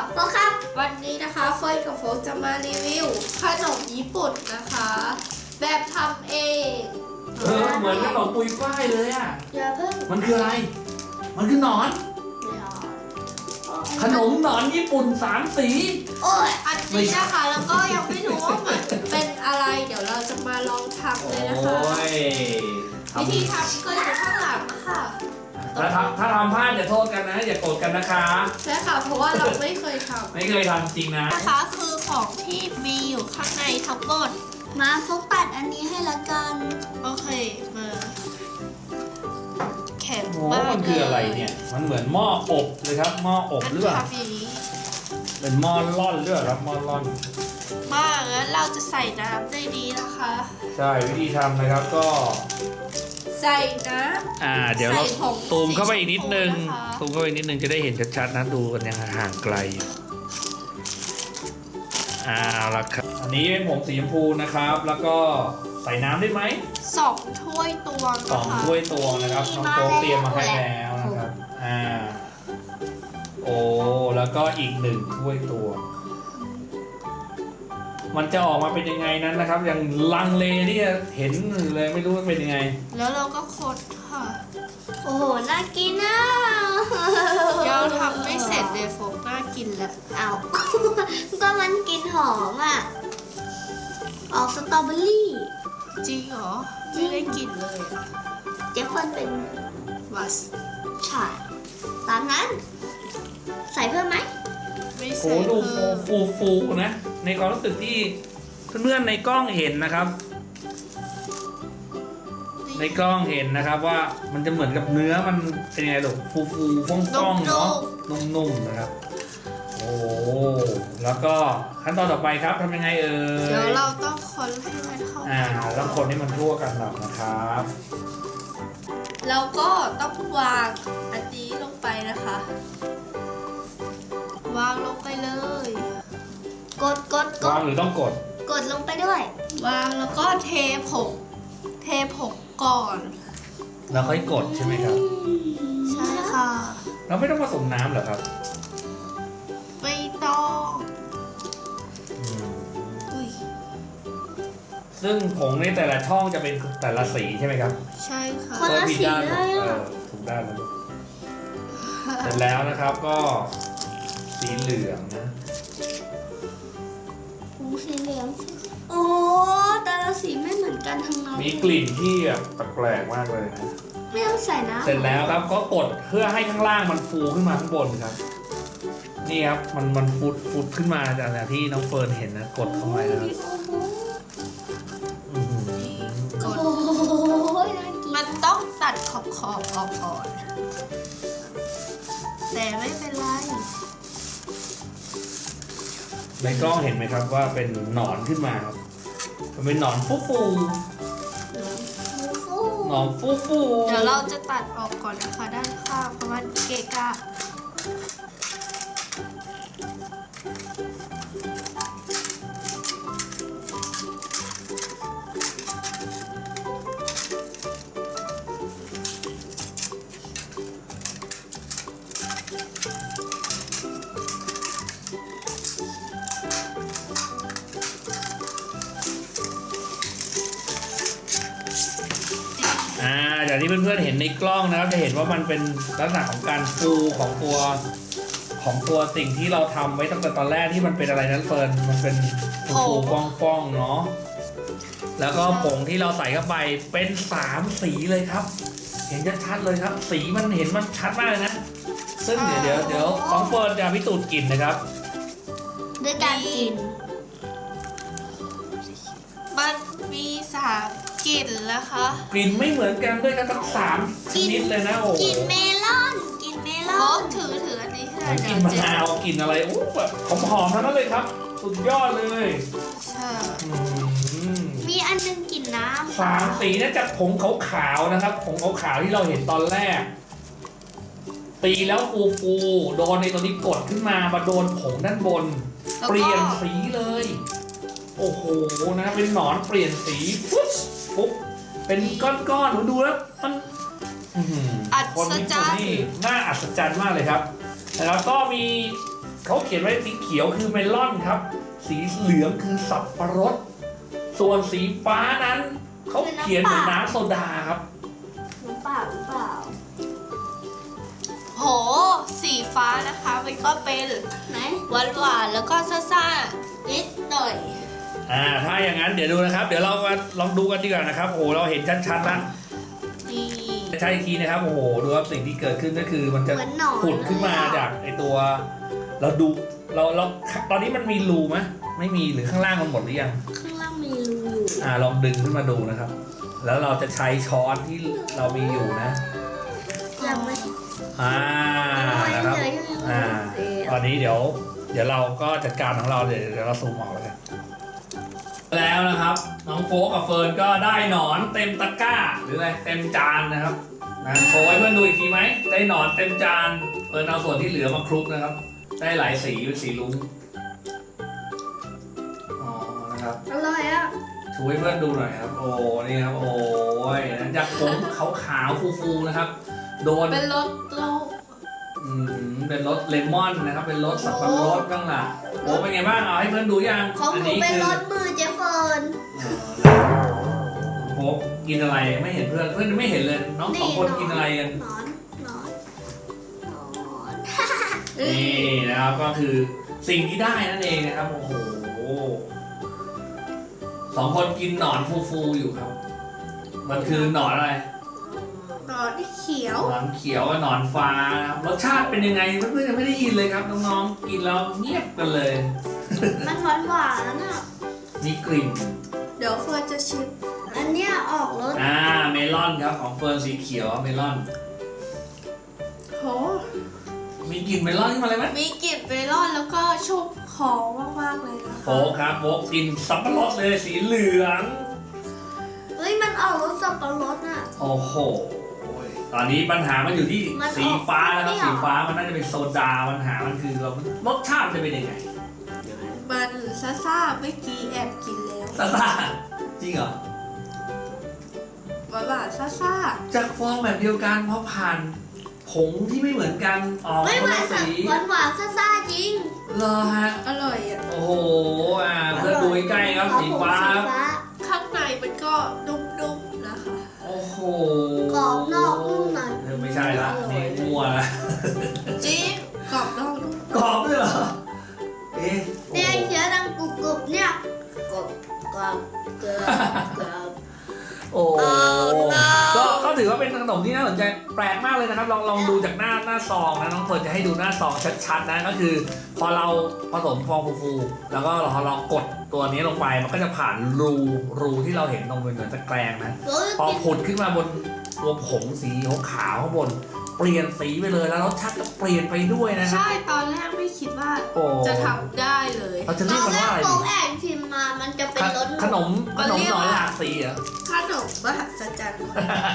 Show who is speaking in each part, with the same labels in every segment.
Speaker 1: โฟครับ
Speaker 2: วันนี้นะคะเฟยกับโฟกจะมารีวิวขนมญี่ปุ่นนะคะ แบบทำเอง
Speaker 3: เหมือนขนมปุยฝ้ายเลยอ่ะ
Speaker 1: อย่าเพิ่ง
Speaker 3: มันคืออะไร มันคือหนอน ขนมหนอนญี่ปุ่น3 สี
Speaker 1: โอ้ย
Speaker 2: อันนี้นะคะแล้วก็ยังไม่รู้ว่ามันเป็นอะไร เดี๋ยวเราจะมาลองทำเลยนะคะ
Speaker 3: ทำ
Speaker 2: วิธีทำก็อยู่ข้างหลังนะคะ
Speaker 3: ถ้าทำพลาดอย่าโทษกันนะ อย่าโกรธกันนะคะ
Speaker 2: ใช่ค่ะเพราะว่าเราไม่เคยทำ
Speaker 3: ไม่เคยทำจริงนะ
Speaker 2: นะคะคือของที่มีอยู่ข้างในทั้งหมด
Speaker 1: มาโฟกตัดอันนี้ให้ละกัน
Speaker 2: โอเคมาแข็ง
Speaker 3: โอ้
Speaker 2: มาก
Speaker 3: มันคืออะไรเนี่ย มันเหมือนหม้ออบเลยครับ หม้ออบ
Speaker 2: อัน
Speaker 3: หรือเปล่า
Speaker 2: ทำอย่างนี้
Speaker 3: เป็นหม้อร่อนหรือเปล่าครับ หม้อร่อน
Speaker 2: มากงั้นเราจะใส่น้ำได้ดีนะคะ
Speaker 3: ใช่ วิธีทำนะครับก็
Speaker 2: ใส่น้
Speaker 3: เดี๋ยวเรา
Speaker 2: ใส่ผง
Speaker 3: ซูมเข้าไปอีกนิดนึง
Speaker 2: สีชมพูนะคะ
Speaker 3: ซูมเข้าไปอีกนิดนึงจะได้เห็นชัดๆนะ ดูกันยังห่างไกลละครับ อันนี้เป็นผงสีชมพูนะครับ แล้วก็ใส่น้ำได้ไหม
Speaker 2: ำ2 ถ้วยตวง
Speaker 3: สอง
Speaker 2: นะคะ
Speaker 3: ถ้วยตวงนะครับน้องโป๊กเตรียมมาให้แล้วนะครับ โอ้แล้วก็อีก1 ถ้วยตวง มันจะออกมาเป็นยังไงนั้นนะครับ ยังลังเลที่จะเห็นเลยไม่รู้ว่าเป็นยังไง
Speaker 2: แล้วเราก็คนค่ะ
Speaker 1: โอ้โห น่ากินนะ
Speaker 2: ยังทำไม่เสร็จเลยโฟกน่ากินแล้ว
Speaker 1: เอา ก็มันกลินหอมอ่ะ ออกสตรอเบอรี่
Speaker 2: จริงเหรอ ไม่ได้กินเลยอะ
Speaker 1: เจฟเฟิร์นเป็น
Speaker 2: วัส
Speaker 1: ฉาดตามนั้น ใส่เพิ่มไหม
Speaker 2: ไม่
Speaker 3: โอ้
Speaker 2: ใส่
Speaker 3: ดู
Speaker 2: เพิ่ม
Speaker 3: ฟูนะ ในความรู้สึกที่เพื่อนๆในกล้องเห็นนะครับ ในกล้องเห็นนะครับว่ามันจะเหมือนกับเนื้อมันเป็นยังไงลูกฟูฟ่องๆเนาะนุ่มๆนะครับ โอ้แล้วก็ขั้นตอนต่อไปครับทำยังไงเอ่ย
Speaker 2: เดี๋ยวเราต้องคนให้มันเข้ากัน
Speaker 3: ต้องคนให้มันทั่วกันหน่อยนะครับ
Speaker 2: แล้วก็ต้องวางอันนี้ลงไปนะคะ วางลงไปเลย
Speaker 1: กด
Speaker 3: วางหรือต้องกด
Speaker 1: กดลงไปด้วย
Speaker 2: วางแล้วก็เทผงก่อน
Speaker 3: แล้วค่อยกดใช่ไหมครับ
Speaker 2: ใช่ค่ะ
Speaker 3: เราไม่ต้องผสมน้ำเหรอครับ
Speaker 2: ไม่ต้อง
Speaker 3: อืม
Speaker 2: อุ้ย
Speaker 3: ซึ่งผงในแต่ละช่องจะเป็นแต่ละสีใช่ไหมครับ
Speaker 2: ใช่ค่ะ
Speaker 1: คนละสีเลยอะ
Speaker 3: ถูกด้านแล้วลูกเสร็จแล้วนะครับก็สีเหลืองนะ
Speaker 1: หูสีเหลืองโอ้แต่ละสีไม่เหมือนกันทั้งนั้น
Speaker 3: มีกลิ่นที่แบบแปลกๆมากเลยนะ
Speaker 1: ไม่ต้องใส่น้ำ
Speaker 3: เสร็จแล้วครับก็กดเพื่อให้ข้างล่างมันฟูขึ้นมาข้างบนครับ นี่ครับมันฟุดขึ้นมาจากที่น้องเฟิร์นเห็นนะกดเข้าไปนะครับอื้อหือก
Speaker 2: ด
Speaker 1: โอ้ยน่ากิน
Speaker 2: มันต้องตัดขอบออกก่อน แต่ไม่เป็นไร
Speaker 3: ในกล้องเห็นไหมครับว่าเป็นหนอนขึ้นมาครับมันเป็นหนอนฟู หนอนฟู
Speaker 2: เดี๋ยวเราจะตัดออกก่อนนะคะด้านข้างเพราะมันเกะกะ
Speaker 3: จากที่เพื่อนๆเห็นในกล้องนะครับจะเห็นว่ามันเป็นลักษณะของการฟูของตัวสิ่งที่เราทำไว้ตั้งแต่ตอนแรกที่มันเป็นอะไรนั้นเฟิร์นมันเป็นฟูฟ่องๆเนาะแล้วก็ผงที่เราใส่เข้าไปเป็น3 สีเลยครับ เห็นชัดๆเลยครับ สีมันเห็นมันชัดมากเลยนะซึ่งเดี๋ยวน้องเฟิร์นจะพิสูจน์กลิ่นนะครับ
Speaker 1: ด้วยการกิน
Speaker 2: มันมี3 กลิ่นนะคะ
Speaker 3: กลิ่นไม่เหมือนกันด้วยกันทั้ง3 ชนิดเลยนะโอ้โห
Speaker 1: กินเมลอนกินเมล
Speaker 2: โอ้
Speaker 1: อน
Speaker 2: ถืออันนี้ให้
Speaker 3: กลิ่นมะนาวกลิ่นอะไรโอ้แบบหอมๆทั้งนั้นเลยครับ สุดยอดเลย
Speaker 2: ใช่
Speaker 1: มีอันนึงกินน้ำ
Speaker 3: 3 สีเนี่ยจากผงขาวๆนะครับผงขาวๆที่เราเห็นตอนแรก ตีแล้วฟูโดนในตัวนี้กดขึ้นมาโดนผงด้านบน
Speaker 2: แล้ว
Speaker 3: เปลี่ยน
Speaker 2: ก็
Speaker 3: สีเลย โอ้โหนะเป็นหนอนเปลี่ยนสีปุ๊บเป็นก้อนๆดูแล้วมันคนญี่ปุ่นนี่น่าอัศจรรย์มากเลยครับแล้วก็มีเขาเขียนไว้สีเขียวคือเมลอนครับ สีเหลืองคือสับปะรดส่วนสีฟ้านั้นเขาเขียนเหมือนน้ำโซดาครับ
Speaker 1: น้ำเปล่าหรือเปล่า
Speaker 2: โห สีฟ้านะคะมันก็เป็น
Speaker 1: ไหน
Speaker 2: หวานๆแล้วก็ซ่าๆนิดหน่อย
Speaker 3: ถ้าอย่างนั้นเดี๋ยวดูนะครับ เดี๋ยวเรามาลองดูกันดีกว่านะครับโอ้โหเราเห็นชัดๆแล้ว
Speaker 2: นี่
Speaker 3: ใช่อีกทีนะครับโอ้โหดูครับสิ่งที่เกิดขึ้นก็คือมันจะ
Speaker 1: เหมือนหนอน
Speaker 3: ผุดขึ้นมาจากไอตัวเราดูเราตอนนี้มันมีรูไหมไม่มีหรือข้างล่างมันหมดหรือยัง
Speaker 1: ข้างล่างมีรูอยู่
Speaker 3: ลองดึงขึ้นมาดูนะครับ แล้วเราจะใช้ช้อนที่เรามีอยู่นะ
Speaker 1: ยังไม่
Speaker 3: นะครับ
Speaker 1: เหลืออยู่
Speaker 3: ตอนนี้เดี๋ยวเราก็จัดการของเราเดี๋ยวเราซูมออกเลยแล้วนะครับน้องโฟกกับเฟิร์นก็ได้หนอนเต็มตะกร้าหรืออะไรเต็มจานนะครับนะโชว์ให้เพื่อนดูอีกทีไหมได้หนอนเต็มจานเฟิร์นเอาส่วนที่เหลือมาคลุกนะครับ ได้หลายสีเป็นสีลุ้งนะครับ
Speaker 1: อร่อยอ่ะ
Speaker 3: ชูให้เพื่อนดูหน่อยครับโอ้นี่ครับโอ้ยนะจากผงขาวๆฟูๆนะครับโดน
Speaker 2: เป็นรสโลก
Speaker 3: เป็นรสเลมอนนะครับเป็นรสสับปะรดบ้างล่ะโอ้เป็นไงบ้างเอาให้เพื่อนดูยัง
Speaker 1: ของหนูเป็นรสมือเจฟเฟิร์น
Speaker 3: โอ้กินอะไรไม่เห็นเพื่อนไม่เห็นเลยน้องสองคนกินอะไรกัน
Speaker 1: หนอนหนอนหนอน
Speaker 3: นี่นะครับก็คือสิ่งที่ได้นั่นเองนะครับโอ้โหสองคนกินหนอนฟูๆอยู่ครับ มันคือหนอนอะไร
Speaker 2: หนอนที่เขียว
Speaker 3: หนอนเขียวกับหนอนฟ้านะครับรสชาติเป็นยังไงเพื่อนๆยังไม่ได้ยินเลยครับน้องๆกินแล้วเงียบกันเลย
Speaker 1: มันหวานหวานแล้วน่ะ
Speaker 3: มีกลิ่น
Speaker 2: เดี๋ยวเฟิร์นจะชิม
Speaker 1: อันเนี้ยออกรส
Speaker 3: เมลอนครับของเฟิร์นสีเขียวเมลอน
Speaker 2: โห
Speaker 3: มีกลิ่นเมลอนขึ้นมาเลยไหม
Speaker 2: มีกลิ่นเมลอนแล้วก็ชุ่มคอมากๆเลยนะคะ
Speaker 3: โฟกครับโฟกกินสับปะรดเลยสีเหลือง
Speaker 1: เฮ้ยมันออกรสสับปะรดน่ะ
Speaker 3: โอ้โหตอนนี้ปัญหามันอยู่ที่
Speaker 1: มันออก
Speaker 3: สีฟ้าแล้วครับ
Speaker 1: เปรี้ยว
Speaker 3: สีฟ้ามันน่าจะเป็นโซดาปัญหามันคือเรารสชาติจะเป็นยังไง
Speaker 2: มันซ่าๆเมื่อกี้แอบกินแล้ว
Speaker 3: ซาซาจริงเหรอ
Speaker 2: หวานๆซ่า
Speaker 3: จากฟองแบบเดียวกันเพราะผ่านผงที่ไม่เหมือนกันออก
Speaker 1: ไม่
Speaker 3: ค
Speaker 1: ห
Speaker 3: น
Speaker 1: วาน
Speaker 3: ละสี
Speaker 1: หวานหวานซ่าๆจริง
Speaker 3: เหรอฮะ
Speaker 2: ๆอร่อยอ่ะ
Speaker 3: โอ้โหเพื่อนดูใกล้ๆครับสีฟ้า
Speaker 2: ข้างในมันก็นุ่มๆนะคะ
Speaker 3: โอ้โห
Speaker 1: กรอบนอกนุ่มใน
Speaker 3: ไม่ใช่ละนี่มั่วละ
Speaker 2: จริงกรอบนอกนุ่ม
Speaker 3: กรอบด้วยเหรอเอ๊ะ
Speaker 1: เนี่ยเขียวดังกรุบๆเนี่ยกรอบกรอบกรอบกรอบ
Speaker 3: โอ้ก็ถือว่าเป็นขนมที่น่าสนใจแปลกมากเลยนะครับ ลองดูจากหน้าซองนะน้องเฟิร์นจะให้ดูหน้าซองชัดๆนะก็คือ พอเราผสมฟองฟูๆแล้วก็พอเรากดตัวนี้ลงไปมันก็จะผ่านรูที่เราเห็นตรงเป็นเหมือนตะแกรงนะ
Speaker 1: เฮ้ย
Speaker 3: พอผุดขึ้นมาบนตัวผงสีขาวข้างบน เปลี่ยนสีไปเลยแล้วรสชาติก็เปลี่ยนไปด้วยนะครั
Speaker 2: ใช่ตอนแรกไม่คิดว่า
Speaker 3: โอ้
Speaker 2: จะทำได้เลย
Speaker 3: เราจะ
Speaker 1: ต
Speaker 3: เรียก
Speaker 1: อน
Speaker 3: มัน
Speaker 1: แร
Speaker 3: ว่ากอะไร
Speaker 1: โฟ
Speaker 3: ดี
Speaker 1: กแอนชิมมามันจะเป็นรส
Speaker 3: ขนมหน่อยหลากสีเหรอ
Speaker 2: ขนมมหัศจรรย์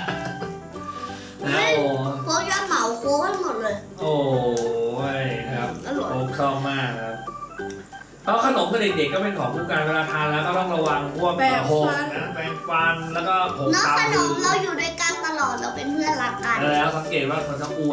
Speaker 3: นะโอ้
Speaker 1: โฟกจะเหมาโค้กให้หมดเลย
Speaker 3: โอ้ยนะครับ
Speaker 1: อร่อย
Speaker 3: โอ้ชอบมากนะครับเพราะขนมกับเด็กๆก็เป็นของคู่กันเวลาทานแล้วก็ต้องระวังพวกหกนะแปรงฟันแล้วก็ผง
Speaker 1: เน้อง
Speaker 3: ตา
Speaker 1: ขน
Speaker 3: มื
Speaker 1: ม
Speaker 3: อ
Speaker 1: เราอยู่ด้วยกันตลอดเราเป็นเพื่อนรักกัน
Speaker 3: แล้วสังเกตว่าเขาจะอ้วน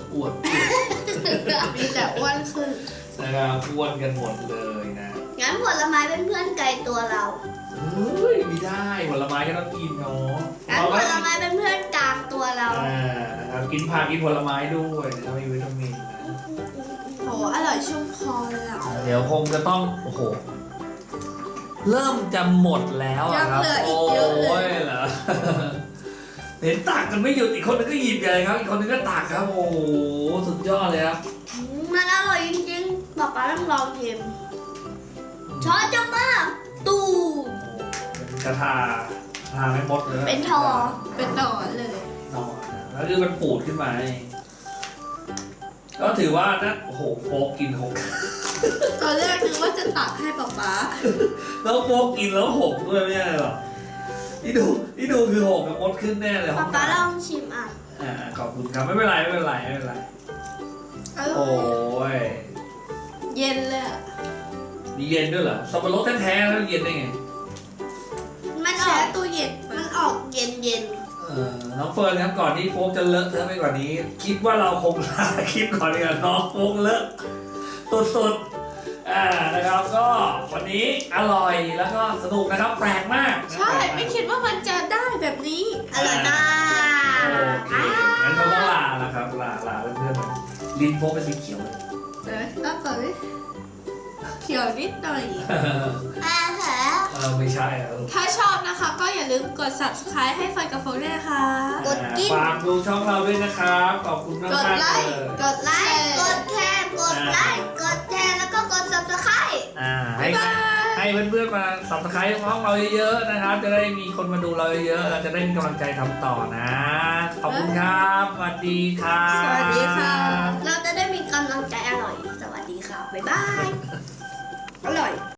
Speaker 2: มีแต่อ้วนขึ้น
Speaker 3: นะครับอ้วนกันหมดเลยนะ
Speaker 1: งั้นผลไม้เป็นเพื่อนไกลตัวเรา
Speaker 3: เฮ้ยไม่ได้ผลไม้ก็ต้องกินเนาะ
Speaker 1: งั้นผลไม้เป็นเพื่อนกลางตัวเรา
Speaker 3: นะครับกินผักกินผลไม้ด้วยนะครับมีวิตามินนะ
Speaker 2: โหอร่อยชุ่มคอเลยอ่ะ
Speaker 3: เดี๋ยวคงจะต้องโอ้โหเริ่มจะหมดแล้วอะครับ
Speaker 2: ยังเหลืออีกเยอะเลย
Speaker 3: โอ้ยเหรอ เห็นตักกันไม่หยุดอีกคนนึงก็หยิบใหญ่ครับ อีกคนนึงก็ตักครับ โอ้โหสุดยอดเลยครับ
Speaker 1: มันอร่อยจริงๆป๊าป๊าต้องลองชิมช้อนจะมากตู
Speaker 3: เป็นกระทาไม่หมดเลย
Speaker 1: เป็นทอ
Speaker 2: เป็นหนอนเลย
Speaker 3: นอนนะแล้วคือมันปูดขึ้นมาเองก็ถือว่านะโอ้โหโฟกกินหก
Speaker 2: ตอนแรกนึกว่าจะตักให้ป๊าป๊า
Speaker 3: แล้วโฟกกินแล้วหกด้วยไม่ใช่หรอที่ดูคือหกกับมดขึ้นแน่เลย
Speaker 1: ป๊าป๊าลองชิมอ่ะ
Speaker 3: ขอบคุณครับไม่เป็นไร
Speaker 2: อร่
Speaker 3: โอ้
Speaker 2: อย
Speaker 3: ย
Speaker 2: เย็นเลยอะ
Speaker 3: มีเย็นด้วยเหรอสับปะรดแท้ๆแล้วเย็นได้ไง
Speaker 1: มันอ
Speaker 2: แช่
Speaker 1: อก
Speaker 2: ตู้เย็น
Speaker 1: มันออกเย็น
Speaker 3: น้องเฟิร์นครับก่อนที่โฟกจะเลอะเทอะไปกว่านี้ คิดว่าเราคงลาคลิปก่อนดีกว่าน้องโฟกเลอะสุดๆนะครับก็วันนี้อร่อยแล้วก็สนุกนะครับแปลกมากนะ
Speaker 2: ใช่ ไม่คิดว่ามันจะได้แบบนี้
Speaker 1: อร่อยมาก
Speaker 3: โอเคงั้นเราต้องลาแล้วครับลาเพื่อนๆลิ้นโฟกเป็นสีเขียวเลย
Speaker 2: แล้วก่อนดิเขียวนิดหน่อย
Speaker 3: ไม่ใช่แล้ว
Speaker 2: ถ้าชอบนะคะก็อย่าลืมกด subscribe ให้ไฟกับโฟนด้วยนะคะ
Speaker 1: กดกิ๊บ
Speaker 3: ฝากดูช่องเราด้วยนะครับขอบคุณมาก
Speaker 2: กด
Speaker 3: มาก
Speaker 2: ไล
Speaker 3: เลย
Speaker 2: ค์
Speaker 1: กดไลค์ กดแชร์ กดไลค์ กดแชร์ แล้วก็กด subscribe
Speaker 3: ให้เพื่อนๆมาสับสไครต์ห้องเราเยอะๆนะครับ จะได้มีคนมาดูเราเยอะๆเราจะได้มีกำลังใจทำต่อนะ ขอบคุณครับสวัสดีครับ
Speaker 2: สวัสดีค่ะ
Speaker 1: เราจะได้มีกำลังใจอร่อย สวัสดีค่ะ บ๊ายบาย อร่อย